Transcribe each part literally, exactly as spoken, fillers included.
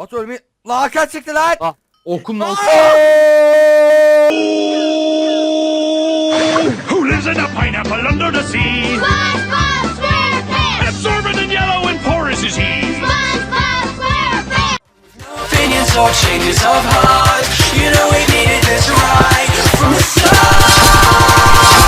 Batu ölmeyi. La Hakan çıktı lan. Ah, okum lan. Who lives in a pineapple under the sea? SpongeBob SquarePants! Absorbent and yellow and porous is he. SpongeBob SquarePants! Opinions or changes of heart. You know we needed this right from the start.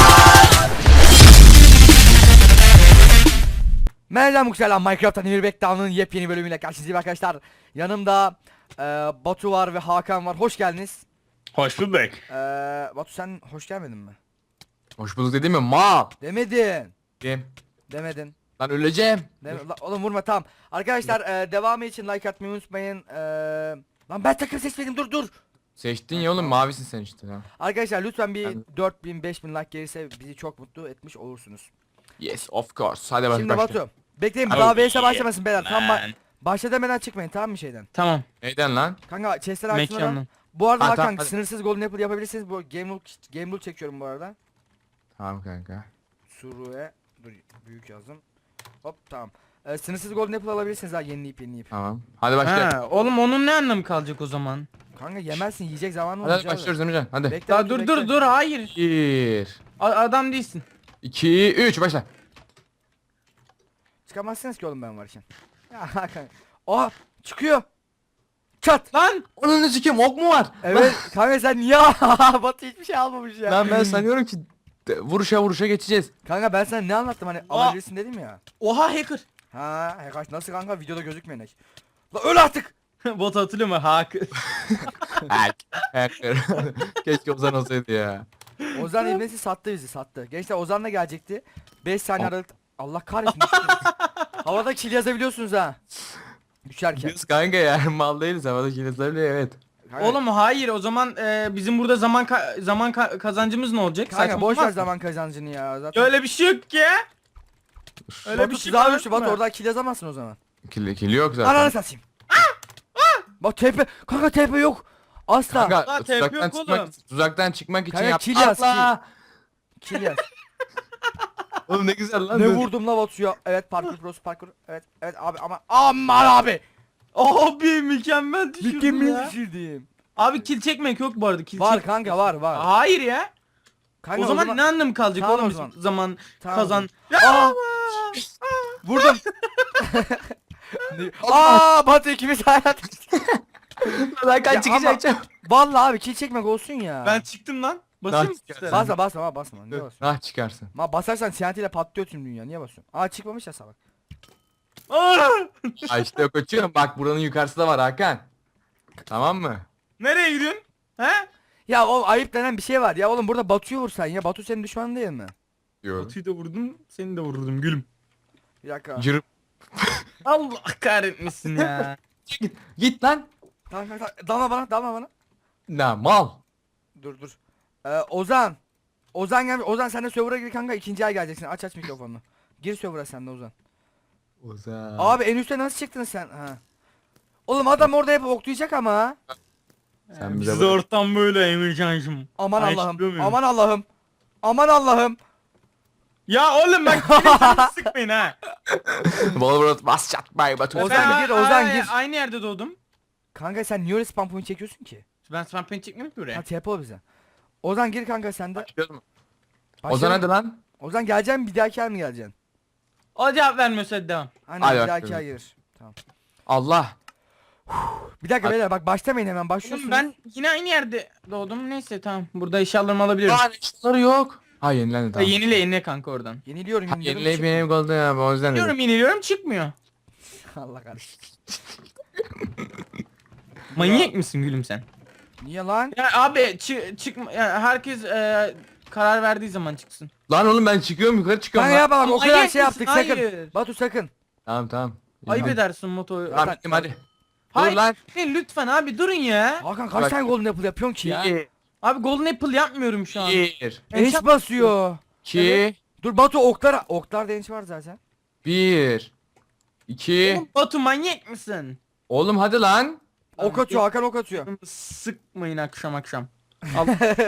Merhaba Mükselam, Minecraft'tan Emir Backdown'un yepyeni bölümüyle karşınızdayım arkadaşlar. Yanımda e, Batu var ve Hakan var. Hoş geldiniz. Hoş bulduk. E, Batu sen hoş gelmedin mi? Hoş bulduk dedim mi? Ma. Demedin. Dem. Demedin. Ben öleceğim. Deme- La- oğlum vurma, tamam. Arkadaşlar e, devamı için like atmayı unutmayın. E, lan ben takım seçmedim, dur dur. Seçtin ya oğlum, mavisin sen işte. Ha. Arkadaşlar lütfen bir Ben- dört bin beş bin like gelirse bizi çok mutlu etmiş olursunuz. Yes, of course. Hadi bak Şimdi başla. Batu. Bekleyin, Oh, daha V S yeah, başlamasın beyler. Tam ba man. başla demeden çıkmayın, tamam mı şeyden? Tamam. Neyden lan? Kanka chest'ler açsın oradan. Mekanın. Bu arada Ha, Hakan tamam, hadi. sınırsız golden apple yapabilirsiniz. Bu game rule, game rule çekiyorum bu arada. Tamam kanka. Suru'ya dur, büyük yazdım. Hop, tamam. Ee, sınırsız golden apple alabilirsiniz ha, yenileyip yenileyip. Tamam. Hadi başla. Ha, oğlum onun ne anlamı kalacak o zaman? Kanka yemezsin, yiyecek zamanı Hadi, olacak. hadi başlıyoruz Emrecan. Hadi. Bekle, Daha Batu, dur bekle. dur dur hayır. Bir, A- adam değilsin. iki, üç başla. Çıkamazsınız ki oğlum ben varken. Ya Hakan. Oha çıkıyor. Çat. Lan Onun ne sikeyim, ok mu var? Evet kanka sen niye Batu hiçbir şey almamış ya. Lan ben sanıyorum ki de- vuruşa vuruşa geçeceğiz. Kanka ben sana ne anlattım hani Aa. alabilirsin dedim ya. oha hacker. Ha, kaç nasıl kanka, videoda gözükmeyen hack. La öl artık. Bot hatırlıyor mu? Hacker. Hack. Hacker. Keşke Ozan olsaydı ya. Ozan İbnesi sattı bizi, sattı. Gençler Ozan da gelecekti. beş saniye Al. aralık. Allah kahretsin. Havada kill yazabiliyorsunuz ha. Düşerken. Biz kanka ya, mal değiliz, havada kilitlebiliyor, evet. Kanka, Oğlum hayır o zaman e, bizim burada zaman ka- zaman ka- kazancımız ne olacak? kanka Saçma boş ver olmaz mı? zaman kazancını ya zaten. Öyle bir şey yok ki. Öyle Batu bir şey tuzağa var düştü Batu, mı? oradan kill yazamazsın o zaman. Kill, kill yok zaten. Ananı satayım. Bak T P, kanka T P yok. Asla. Kanka Lan tepe tuzaktan yok çıkmak, oğlum. tuzaktan çıkmak için Kanka, yap. kill yaz, Allah! Kill yaz. Oğlum ne güzel lan. Ne dur. vurdum la Batu'ya. Evet parkur pros parkur. Evet evet abi ama aman abi. Abi mükemmel düşürdün Mükemmel ya. düşürdüm. Abi kill çekmek yok bu arada. Kill Var çek- kanka, var var. Hayır ya. Kanka, o, zaman ne anlamı kalacak Tamam oğlum o bizim zaman. zaman, Tamam. kazan. Aa! Vurdum. Ne- Aa Batu ikimiz hayat. Lan kaç Ya çıkacak ama- Vallahi abi kill çekmek olsun ya. Ben çıktım lan. Basayım mı Lan, üstüne? basma basma ama basma. Niye basıyorsun? Ah çıkarsın. Ma basarsan T N T ile patlıyor tüm dünya. Niye basıyorsun? Aa çıkmamış ya salak. Aa! Ay işte koçum, bak buranın yukarısı da var Hakan. Tamam mı? Nereye gidiyorsun? He? Ya o ayıp denen bir şey var. Ya oğlum burada Batu'yu vursan ya. Batu senin düşmanın değil mi? Diyor. Batu'yu da vurdum, seni de vurdum gülüm. Bir dakika. Cırıp. Allah kahretmesin ya. Git, git lan. Tamam tamam tamam. Dalma bana, dalma bana. Ne mal. Dur dur. Ee, Ozan. Ozan gel. Ozan sen de server'a gir kanka. İkinci ay geleceksin. Aç aç mikrofonunu. Gir server'a sen de Ozan. Ozan. Abi en üstte nasıl çıktın sen? Ha. Oğlum adam orada hep oklayacak ama. Sen bize Bizde bak. ortam böyle Emircan'cım. Aman Ay, Allah'ım. çıkıyor muyum? Aman Allah'ım. Aman Allah'ım. Ya oğlum bak benim canımı sıkmayın ha. Wolverine bas çatmayı Batu. Ozan Ben- gir, Ozan Ay- gir. Aynı yerde doğdum. Kanka sen niye öyle spam point çekiyorsun ki? Ben spam paint çekmiyorum ki Ha buraya. T P ol bize. Ozan gir kanka sen de. Başlıyor mu? Başlayalım. Ozan hadi lan. Ozan geleceksin, bir dahaki ay mı geleceksin? O cevap vermiyorsa hadi devam. Aynen Hadi bir bak dahaki şimdi. ay gelir. Tamam. Allah. Bir dakika Hadi. beyler bak başlamayın hemen, başlıyorsunuz. Oğlum ben yine aynı yerde doğdum. Neyse tamam. Burada eşyalarımı alabilirim. Lan işleri yok. Ha yenilendi Ha, tamam. yenile yenile kanka oradan. Yeniliyorum Ha, yeniliyorum. yenileyip çıkmıyor. yenileyip oldu ya, o yüzden Yeniliyorum dedim. yeniliyorum çıkmıyor. Allah kahretsin. Manyak mısın gülüm sen? Niye lan? Ya abi çı çıkma ya herkes e, karar verdiği zaman çıksın. Lan oğlum ben çıkıyorum, yukarı çıkıyorum Kanka lan. yapma bak, o Manyak kadar mısın? şey yaptık, sakın. Hayır. Batu sakın. Tamam tamam. Ayıp Hadi. edersin motoyu. Tamam gittim hadi. Hayır. Dur lan. Hey, lütfen abi durun ya. Hakan kaç Bak. tane golden apple yapıyorsun ki ya? Bir. Abi golden apple yapmıyorum şu an. Bir. Enç basıyor. İki. Dur Batu oklar, oklar da enç var zaten. Bir. İki. Oğlum Batu manyak mısın? Oğlum hadi lan. Ok atıyor, Hakan ok atıyor. Sıkmayın akşam akşam. Al.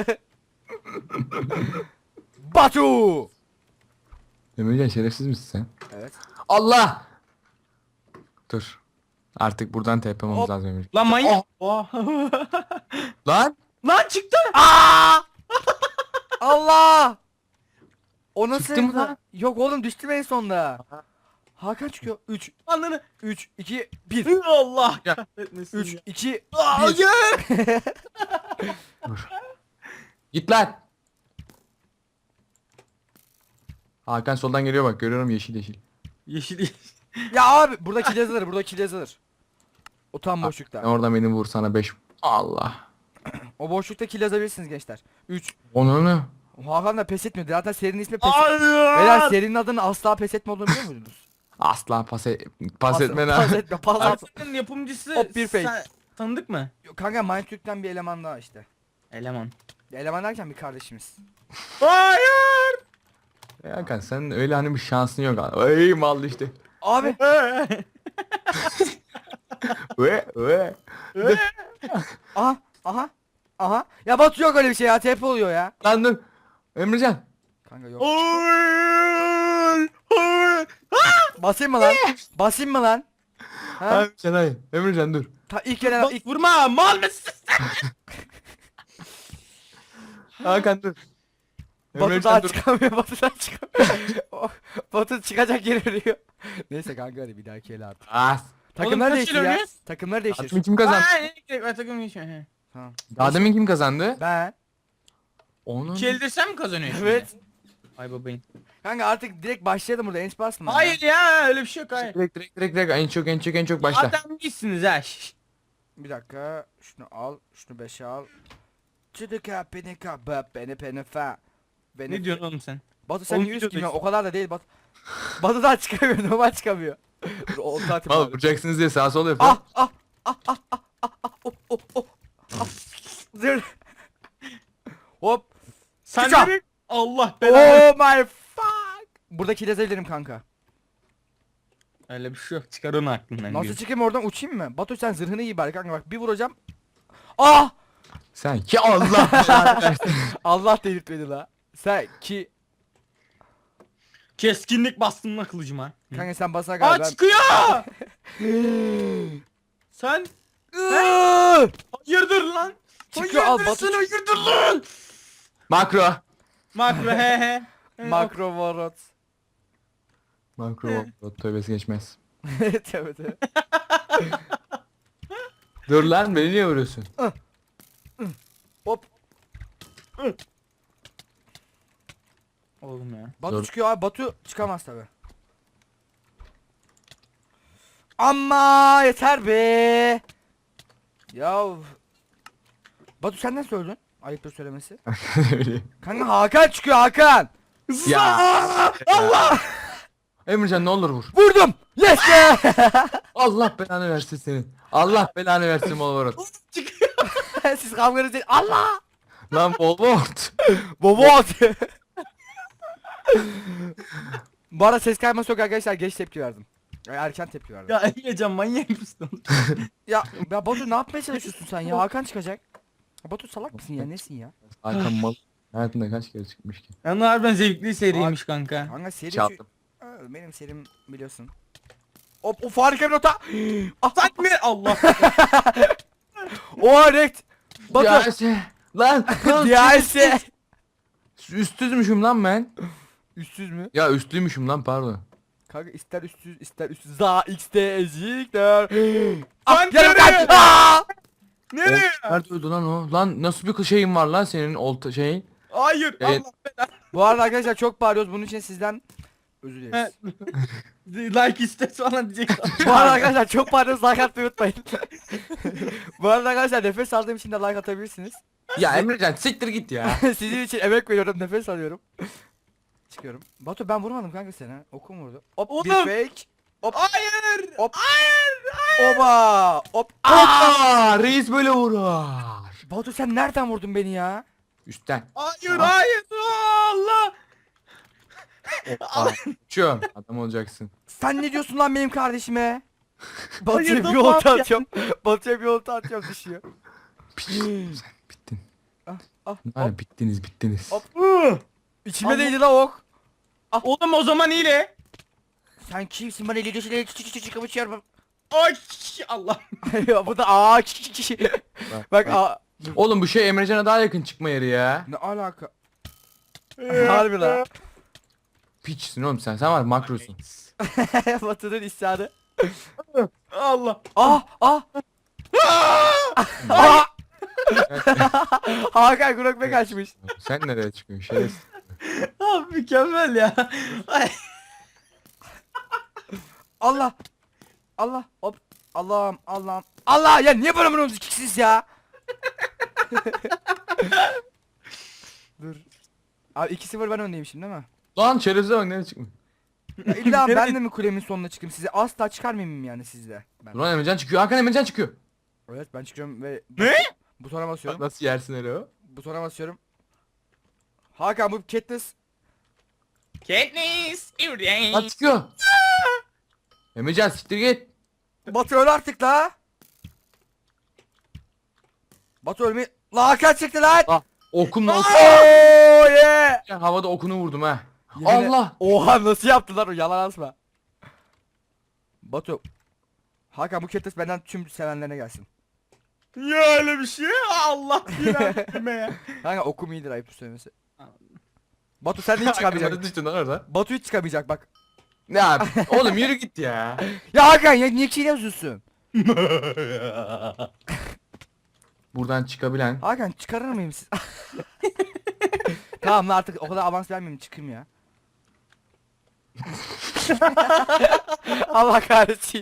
Batu! Emircan şerefsiz misin sen? Evet. Allah. Dur. Artık buradan T P'memiz Hop. lazım Emir. Lan manyak. Oh. Lan. Lan çıktı. Aa! Allah! O nasıl? Çıktı mı lan? Yok oğlum düştüm en sonunda. Hakan çıkıyor. üç, Ananı. üç, iki, bir. Allah Ya. kahretmesin üç, ya. iki, bir. Hayır. Dur. Git lan. Hakan soldan geliyor bak, görüyorum yeşil yeşil. Yeşil yeşil. Ya abi burada kill yazılır, burada kill yazılır. O tam boşlukta. Oradan beni vur sana beş. Allah. O boşlukta kill yazabilirsiniz gençler. üç. Onu ne? Hakan da pes etmiyordu. Zaten serinin ismi pes. Hayır. Beyler serinin adının asla pes etme olduğunu biliyor muydunuz? Asla pas, e pas Pas- etme Pas lan. etme, pas at. Artık'ın yapımcısı Hop, bir fake. sen- tanıdık mı? Yok, kanka Mindtürk'ten bir eleman daha işte. Eleman. Eleman derken bir kardeşimiz. Hayır. Ya Hakan sen öyle hani bir şansın yok. Ey mal işte. Abi Ve ve. aha aha aha. Ya Batu yok öyle bir şey ya. T P oluyor ya. Lan dur. Emrecan. Kanka yok. Hayır. Hayır. Basayım mı lan? Basayım mı lan? Ha? Emrecan hayır. Emrecan dur. Ta ilk gelen Bak, ilk vurma mal mısın? Hakan dur. Batu daha çıkamıyor. Batu daha çıkamıyor. Oh, Batu çıkacak yer arıyor. Neyse kanka hadi bir dahaki el artık. As. Takımlar kaç değiştir el ya. oynuyoruz? Takımlar değiştir. Admin kim kazandı? Aa, ne gerek var takım geçiyor. he. Tamam. Daha demin kim kazandı? Ben. Onun. İki elde sen mi kazanıyorsun? Evet. şimdi? Ay babayın. Kanka artık direkt başlayalım burada. Enç basma. ya. Hayır ya öyle bir şey yok hayır. Direkt direkt direkt direkt en çok en çok en çok başla. Adam gitsiniz ha. şş. Bir dakika. Şunu al. Şunu beşe al. Çıdıka penika böp beni penefa. Beni Ne diyorsun oğlum sen? Batu sen Oğlum niye üst videodayız. giyiyorsun? O kadar da değil Batu. Batu daha çıkamıyor. Normal çıkamıyor. Dur, o zaten Al var. vuracaksınız diye sağa sola yapıyor. Ah ah ah ah ah ah ah oh oh oh. Ah. Dur. Hop. Sen Çıkar. nereye? Allah belanı. Oh my fuck. Buradaki lezebilirim kanka. Öyle bir şey yok. Çıkar onu aklından. Nasıl diyor. çıkayım oradan uçayım mı? Batu sen zırhını giy bari kanka bak bir vuracağım. Ah! Sen ki Allah belanı versin. Allah delirtmedi la. Sen ki Keskinlik bastın lan kılıcıma. kanka sen basana Aa galiba. çıkıyor. Sen Iıı! hayırdır lan? Çıkıyor, al, Hayırdır Batu sen hayırdır lan? Makro. Makro he he. Makro vorot. Makro. Tövbesi geçmez. Evet evet evet. Dur lan beni niye vuruyorsun? Hop. Oğlum ya. Batu Zor. çıkıyor abi. Batu çıkamaz tabi. Ama yeter be. Ya Batu sen nasıl öldün? Ayıptır söylemesi. Öyle. Kanka Hakan çıkıyor Hakan. Ya. Allah. Emrecan ne olur vur. Vurdum. Yes be. Allah belanı versin senin. Allah belanı versin Volvorot. Siz kavganız değil. Allah. Lan Volvorot. Bobot. Bu arada ses kayması yok arkadaşlar. Geç tepki verdim. Yani erken tepki verdim. Ya, Ya Emrecan manyak mısın oğlum? ya, Batu ne yapmaya çalışıyorsun sen ya? Hakan çıkacak. Ya Batu salak mısın ya? Nesin ya? Hakan mal. Hayatında kaç kere çıkmış ki? Yani harbiden zevkli seriymiş kanka. Kanka seri şu... Çaldım. Aa, benim serim biliyorsun. Hop of harika bir nota. Ah, Sen mi? Allah. o rekt. Batu. Diyase. Lan. lan Diyase. Üstsüzmüşüm lan ben. Üstsüz mü? Ya üstlüymüşüm lan pardon. Kanka ister üstsüz ister üstsüz. Za x'te ezikler. Lan Ah yarım nereye? kaç. Aa! Nereye? Ol- Nerede öldü lan o? Lan nasıl bir şeyin var lan senin olta şeyin? Hayır. Ya- Allah belanı. Bu arada arkadaşlar çok bağırıyoruz. Bunun için sizden özür dileriz. Like iste falan diyecek. Bu arada arkadaşlar çok bağırıyoruz. Like atmayı unutmayın. Bu arada arkadaşlar nefes aldığım için de like atabilirsiniz. Ya Emrecan siktir git ya. Sizin için emek veriyorum. Nefes alıyorum. Çıkıyorum. Batu ben vurmadım kanka seni. ha. Okum vurdu. Hop bir Oğlum. fake. Hop. Hayır. Hop. Hayır. Hayır. Oba. Hop. Aa! Aa, reis böyle vurar. Batu sen nereden vurdun beni ya? Üstten. Hayır. Hayır. Allah. Hoppa. Uçuyorum. Adam olacaksın. Sen ne diyorsun lan benim kardeşime? Batu'ya Hayır, bir dur, olta ne yap- atıyorum. Batu'ya bir olta atıyorum düşüyor. Sen bittin. Ah ah. Hani bittiniz bittiniz. Hop. Hı. İçime Allah. değdi la ok. Oğlum o zaman iyile. Sen kimsin bana eli düşüyle çık çık çık çık çık. Ay Allah. Bu da aa Bak aa. Oğlum bu şey Emrecan'a daha yakın çıkma yeri ya. Ne alaka? Harbi la. Piçsin oğlum sen. Sen var makrosun. Batı'nın isyanı. Allah. Ah ah. Ah! Hakan Grokbe kaçmış. Sen nereye çıkıyorsun şerefsiz? Abi mükemmel ya. Ay. Allah. Allah. Hop. Allah'ım Allah'ım. Allah ya niye böyle vuruyorsunuz ikisiz ya? Dur. Abi iki sıfır ben öndeyim şimdi değil mi? Lan şerefsize bak nereye çıkmış? Ya illa ben de mi kulemin sonuna çıkayım? Size asla çıkarmayayım yani sizde. Ben. Lan Emrecan çıkıyor. Hakan Emrecan çıkıyor. Evet ben çıkıyorum ve Ne? butona basıyorum. Nasıl yersin öyle o? Butona basıyorum. Hakan bu Katniss. Katniss. Lan çıkıyor. Emrecan siktir git. Batu öl artık la. Batu ölmeyi. La Hakan çıktı lan. Ah okumla okum. Oh yeah. Havada okunu vurdum ha. Yemin- Allah. Oha nasıl yaptılar o yalan asma. Batu. Hakan bu Katniss benden tüm sevenlerine gelsin. Ya öyle bir şey. Allah bilir ya. Kanka okum iyidir ayıp söylemesi. Batu sen de hiç Hakan nereye çıkamayacak. düştün lan orada? Batu hiç çıkamayacak bak. Ya oğlum yürü git ya. Ya Hakan ya niye çiğne yazıyorsun? Buradan çıkabilen. Hakan çıkarır mıyım siz? Tamam lan artık o kadar avans vermeyeyim çıkayım ya. Allah kahretsin.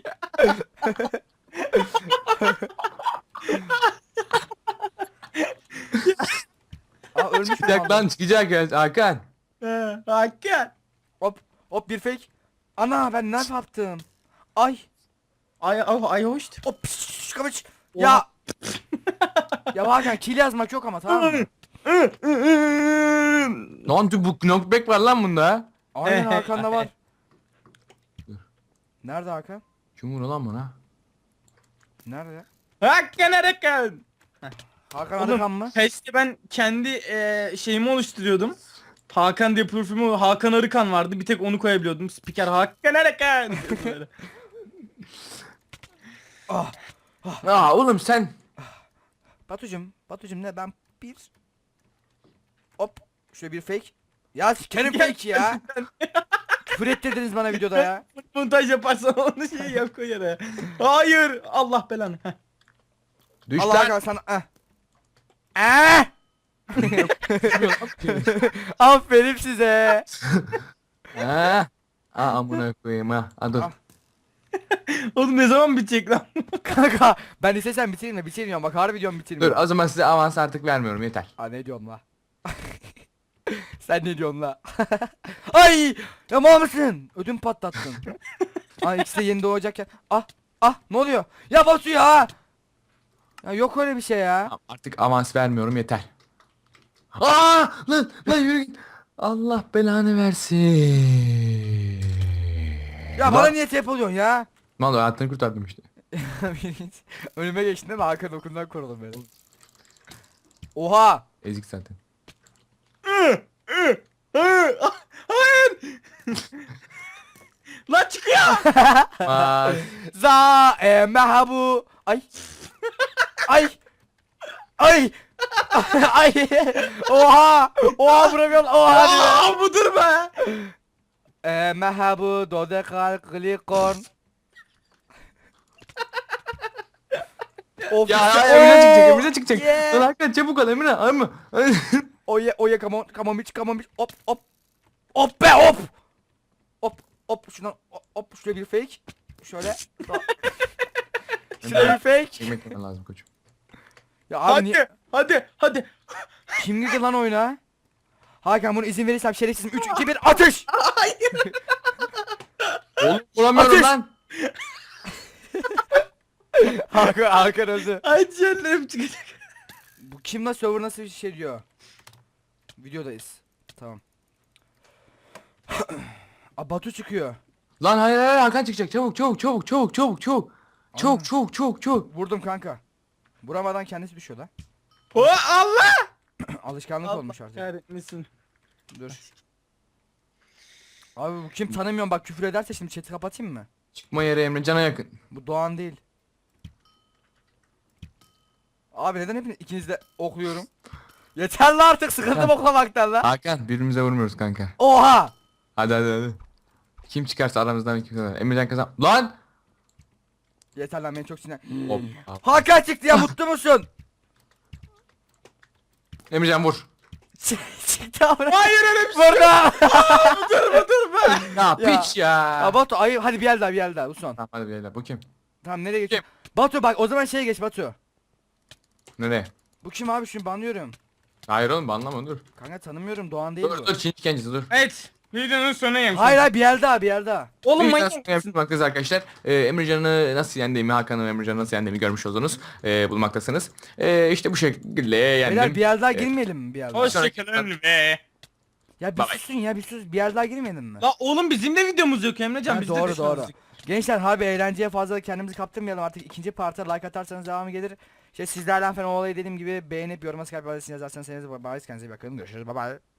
Aa ölmüş mü Çıkacak kaldı? lan çıkacak ya Hakan. He, Hakan. Hop hop bir fake. Ana ben ne yaptım? Ay. Ay ay ay hoş. Hop pişş, kamış. Ya. Ya Hakan kill yazmak yok ama tamam mı? Lan dur bu knockback var lan bunda. Aynen Hakan'da var. Nerede Hakan? Kim vurdu lan bana? Nerede? Hakan Hakan. Hakan Oğlum, Arıkan mı? Peşte ben kendi eee şeyimi oluşturuyordum. Hakan diye profilim Hakan Arıkan vardı. Bir tek onu koyabiliyordum. Spiker Hakan Arıkan. Böyle. Aa oğlum sen. Batucum, Batucum ne ben bir hop şöyle bir fake. Ya sikerim fake ya. Küfür ettirdiniz bana videoda ya. Montaj yaparsan onu şey yap koy yere. Hayır. Allah belanı. Heh. Düş Allah lan. Hakan sana eh. Eh! Aferin size. Ha. Aa amına koyayım ha. Aa, dur. Al. Oğlum ne zaman bitecek lan? Kanka ben istesem bitireyim de bitirmiyorum bak harbi diyorum Dur bitirmiyorum. o zaman size avans artık vermiyorum yeter. Aa ne diyorsun la? Sen ne diyorsun la? Ay! Ya mal mısın? Ödüm patlattın. Aa ikisi de yeni doğacakken. Ah! Ah! Ne oluyor? Ya Batu ya! Ya yok öyle bir şey ya. Tamam, artık avans vermiyorum yeter. Aa lan lan yürü git. Allah belanı versin. Ya bana niye tep oluyorsun ya? Mal hayatını kurtardım işte. Önüme geçtin değil mi? Hakan okundan korudum beni. Oha! Ezik zaten. Hayır. Lan çıkıyor. Aa, Za e mehabu. Ay. Ay. Ay. Ay. Oha. Oha vuramıyorum. Oha diyor. Aa budur be. E mehabu dodekal glikon. Of ya işte- ya Emre çıkacak Oo, Emre çıkacak. yeah. Lan Hakan çabuk ol Emre. Ama. Oye oye come on come on bitch come on bitch. Hop hop. Hop be hop. Hop hop şundan hop, hop şöyle bir fake. Şöyle. Şöyle bir fake. Yemek yemen lazım koçum. Ya abi Hadi. niye? Hadi. Hadi. Kim girdi lan oyuna? Hakan bunu izin verirsem şerefsizim üç iki bir atış. Oğlum vuramıyorum Ateş! lan. Hakan Hakan öldü. Ay canlarım çıkacak. Bu kim lan server nasıl bir şey diyor? Videodayız. Tamam. Aa Batu çıkıyor. Lan hayır hayır Hakan çıkacak. Çabuk çabuk çabuk çabuk çabuk çabuk. Çabuk çabuk çabuk çabuk. Vurdum kanka. Vuramadan kendisi düşüyor lan. O Allah. Alışkanlık olmuş Allah artık. kahretmesin. Dur. Abi bu kim tanımıyorum bak küfür ederse şimdi chat'i kapatayım mı? Çıkma yeri Emrecan'a yakın. Bu Doğan değil. Abi neden hepiniz ikiniz de okluyorum? Yeter lan artık sıkıldım oklamaktan lan. Hakan birbirimize vurmuyoruz kanka. Oha! Hadi hadi hadi. Kim çıkarsa aramızdan kim kazanır. Emrecan kazan. Lan! Yeter lan beni çok sinir. Hop. Hakan çıktı ya mutlu musun? Emrecan vur. Çıktı abi. Hayır öyle bir şey. Burada. Durma durma. Ya Ya. piç ya. Ya Batu ayı hadi bir el daha bir el daha Uson. Tamam hadi beyler bu kim? Tamam nereye geçiyorum? Batu bak o zaman şeye geç Batu. Nereye? Bu kim abi şunu banlıyorum. Hayır oğlum anlama dur. Kanka tanımıyorum Doğan değil Dur bu. dur Çin kendisi dur. Evet. Videonun sonuna gelmiş. Hayır hayır bir el daha bir el daha. Oğlum Bir manyak daha mısın? yapmaktayız arkadaşlar. Ee, Emrecan'ı nasıl yendiğimi, Hakan'ı Emrecan'ı nasıl yendiğimi görmüş oldunuz. Ee, bulmaktasınız. Ee, işte bu şekilde yendim. Beyler bir el daha Ee, girmeyelim mi bir el daha? Hoşçakalın be. Ya bir Bye bye. susun ya bir sus bir el daha girmeyelim mi? La oğlum bizim de videomuz yok Emrecan. Ha, Biz de doğru düşmanız. doğru. Gençler harbi eğlenceye fazla kendimizi kaptırmayalım artık ikinci parta like atarsanız devamı gelir. İşte sizlerden falan o olayı dediğim gibi beğenip yoruma Skype adresini yazarsanız sevinirim. Bye bye kendinize iyi bakın görüşürüz bye bye.